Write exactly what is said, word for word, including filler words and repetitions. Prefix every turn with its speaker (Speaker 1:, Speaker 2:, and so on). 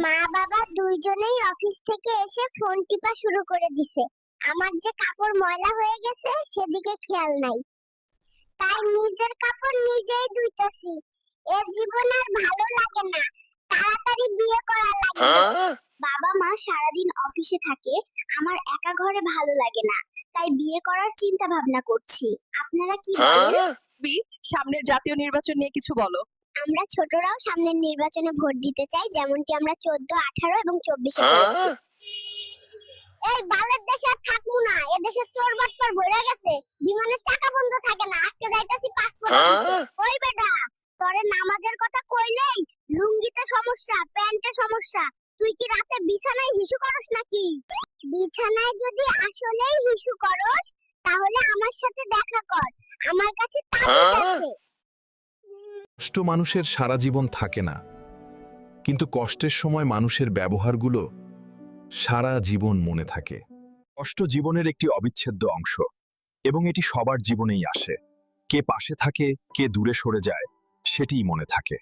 Speaker 1: মা বাবা দুইজনেই অফিস থেকে এসে ফোন টিপা শুরু করে দিছে। আমার যে কাপড় ময়লা হয়ে গেছে সেদিকে খেয়াল নাই, তাই নিজের কাপড় নিজেই ধুইতাছি। এ জীবন আর ভালো লাগে না, তাড়াতাড়ি বিয়ে করা লাগে। বাবা মা সারাদিন অফিসে থাকে, আমার একা ঘরে ভালো লাগে না, তাই বিয়ে করার চিন্তা ভাবনা করছি। আপনারা কি বলেন?
Speaker 2: বি সামনের জাতীয় নির্বাচন নিয়ে কিছু বলো।
Speaker 1: আমরা ছোটরাও সামনের নির্বাচনে ভোট দিতে চাই, যেমনটি আমরা চোদ্দ, আঠারো এবং চব্বিশে করেছি। এই বালের দেশে আর থাকবো না, এ দেশে চোর বাটপার ভরে গেছে, বিমানের চাকা বন্ধ থাকে না। আজকে যাইতাছি পাসপোর্ট অফিসে। ওই বেটা, তোরে নামাজের কথা কইলেই লুঙ্গিতে সমস্যা, প্যান্টে সমস্যা। তুই কি রাতে বিছানায় হিসু করস নাকি? বিছানায় যদি আসলেই হিসু করস তাহলে আমার সাথে দেখা কর, আমার কাছে তাবিজ আছে।
Speaker 3: কষ্ট মানুষের সারা জীবন থাকে না, কিন্তু কষ্টের সময় মানুষের ব্যবহারগুলো সারা জীবন মনে থাকে। কষ্ট জীবনের একটি অবিচ্ছেদ্য অংশ এবং এটি সবার জীবনেই আসে। কে পাশে থাকে, কে দূরে সরে যায়, সেটিই মনে থাকে।